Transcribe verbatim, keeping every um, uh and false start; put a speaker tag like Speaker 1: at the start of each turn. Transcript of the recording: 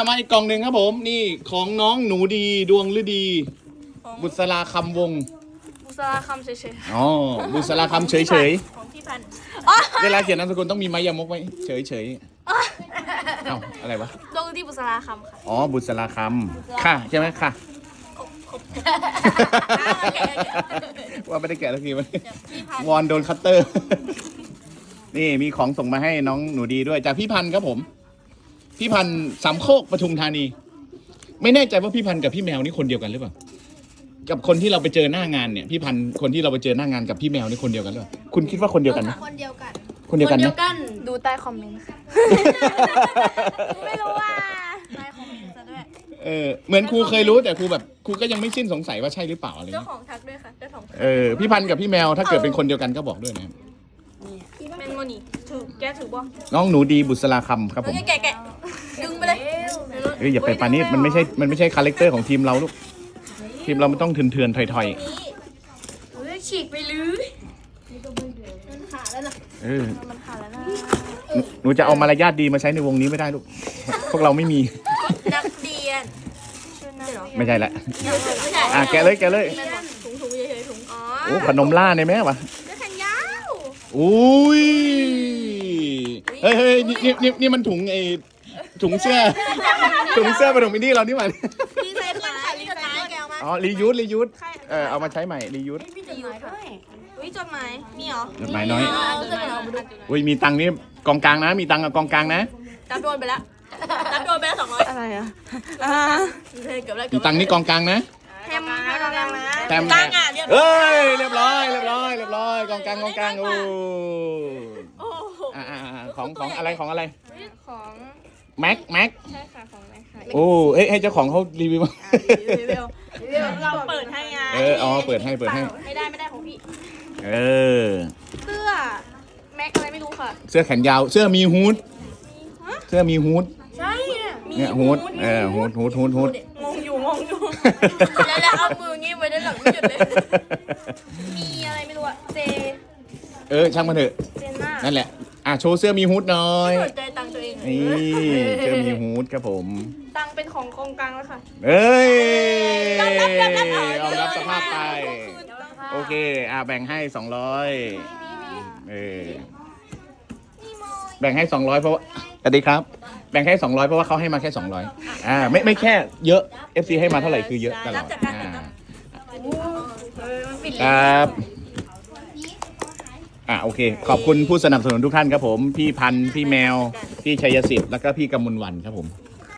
Speaker 1: มาอีกกล่องหนึ่งครับผมนี่ของน้องหนูดีดวงฤดี บุษราคำวง
Speaker 2: บุษราคำเฉย
Speaker 1: อ๋อบุษราคำเฉยเฉย
Speaker 2: ๆของพี่พันธุ์
Speaker 1: เวลาเขียนนามสกุลต้องมีไม้ยามกไว้เฉยเฉยเอ้าอะไรวะ
Speaker 2: ดวงที่บุษราคำค่ะ
Speaker 1: อ๋อบุษราคำค่ะใช่ไหมค่ะ ว่าไม่ได้แกะสักทีมันวอนโดนคัตเตอร์ นี่มีของส่งมาให้น้องหนูดีด้วยจากพี่พันธ์ครับผม พี่พันธ์สามโคกปทุมธานี ไม่แน่ใจว่าพี่พันธ์กับพี่แมวนี่คนเดียวกันหรือเปล่ากับคนที่เราไปเจอหน้างานเนี่ยพี่พันธ์คนที่เราไปเจอหน้างานกับพี่แมวนี่คนเดียวกันหรือเปล่าคุณคิดว่าคนเดียวกันไหม
Speaker 2: คนเดียวกัน
Speaker 1: คนเดียวกันไหม
Speaker 2: ดูใต้คอมเมนต์ค่ะ ไม่รู้ว่าใต้คอมเมนต์ซะด้วย
Speaker 1: เออเหมือนครูเคยรู้แต่ครูแบบครูก็ยังไม่สิ้นสงสัยว่าใช่หรือเปล่าอะไร
Speaker 2: เจ้า
Speaker 1: เงี้ย
Speaker 2: ของทักด้วยค่ะ เจ้าของ
Speaker 1: เออพี่พันธ์กับพี่แมวถ้าเกิดเป็นคนเดียวกันก็บอกด้วยนะครับ
Speaker 2: เป็นโมนี่ถือแกถือบ่
Speaker 1: น้องหนูดีบุษราคำครับผม
Speaker 2: แกะแกะดึงไปเลย
Speaker 1: เอ้ยอย่าไปปานี้มันไม่ใช่มันไม่ใช่คาแรคเตอร์ของทีมเราลูกทีมเรามันต้องเถื่อนเถื่อนๆถอยถอย
Speaker 2: เฮ้ยฉีกไปเลยมันขาดแล้วนะ
Speaker 1: ๆเออ
Speaker 2: มันขาดแล้วนะ
Speaker 1: หนูหนูจะเอามารยาทดีมาใช้ในวงนี้ไม่ได้ลูกพวกเราไม่มี
Speaker 2: นักเรียนชื่อนักเหรอ
Speaker 1: ไม่ใช่ละ
Speaker 2: ไม่ใช่
Speaker 1: อ่ะแกะเลยแกะเลย
Speaker 2: ถุงถุงเฉยๆถุงอ๋อ
Speaker 1: โอ้ขนมล่าในแม่วะ
Speaker 2: เสื้อแขนยาว
Speaker 1: อุ้ยเฮ้ยเฮ้ยนี่นี่นี่นี่มันถุงไอถุงเสื้อถุงเสื้อปฐมอินดี้เรานี่หว่า
Speaker 2: รีไซเคิลค่ะรีไซเคิลแกวมา
Speaker 1: อ๋อรียูสรียูสเออเอามาใช้ใหม่รียูส
Speaker 2: มีจดหมายด้วยอุ้ยจดหมายมีเหรอ
Speaker 1: จดหมายน้อย
Speaker 2: จดหมายเอามาดู
Speaker 1: อุ้ยมีตังค์นี่กองกลางนะ มีตังค์กับกองกลางนะ
Speaker 2: ตัดโดนไปแล้วตัดโดนไปแล้วสองร้อยอะไรอ่ะเกือบแล้ว
Speaker 1: มีตังค์นี่กองกลางนะ
Speaker 2: แทมนะแทมนะ
Speaker 1: แทม
Speaker 2: กลางอ่ะเรียบร้
Speaker 1: เอ้
Speaker 2: อย
Speaker 1: ยเรียบร้อยเรียบร้อยเรียบร้อยกองกลางกองกลางโอ้
Speaker 2: โอ้โห
Speaker 1: อ่าของของอะไรของอะไร
Speaker 2: ของ
Speaker 1: แม็กแม็ก
Speaker 2: ใช่ค่ะของแม่ค่ะ
Speaker 1: โอ้เอ้ยให้เจ้าของเขารีวิวมา
Speaker 2: รีวิวรีวิวเราเปิดให้ไง
Speaker 1: เอออ๋อเปิดให้เปิดให้
Speaker 2: ไม่ได้ไม่ได้ของพี่
Speaker 1: เออ
Speaker 2: เสื้อแม็กอะไรไม่รู้ค่ะ
Speaker 1: เสื้อแขนยาวเสื้อมีฮูดเสื้อมีฮูด
Speaker 2: ใช่เนี่ย
Speaker 1: เนี่ยฮูดเออฮูดฮูดฮูดฮูด
Speaker 2: งงอยู่งงอยู่แล้วแล้วเอามืองี้ไว้ด้านหลังไม่หยุดเลยมีอะไรไม่รู้อะเจ
Speaker 1: เออช่างมันเถอะ
Speaker 2: เจนมาก
Speaker 1: นั่นแหละอ่ะโชว์เสื้อมีฮูดหน่อย
Speaker 2: สนใจตังค์ตัวเอง
Speaker 1: นี่เสื้อมีฮูดครับผม
Speaker 2: ตังค์เป็นของกองกลางแล้วค่ะ
Speaker 1: เอ้ย
Speaker 2: ยอมรับยอมรับ
Speaker 1: ยอมรับสภาพไป โอเค อ่าแบ่งให้สองร้อยเออ แบ่งให้สองร้อยเพราะว่าสวัสดีครับ แบ่งให้สองร้อยเพราะว่าเขาให้มาแค่สองร้อยอ่า ไม่ไม่แค่เยอะ เอฟ ซี ให้มาเท่าไหร่คือเยอะตลอดอ่าครับ อ่าโอเค ขอบคุณผู้สนับสนุนทุกท่านครับผม พี่พันธ์พี่แมว พี่ชัยสิทธิ์ แล้วก็พี่กำมลวันครับผม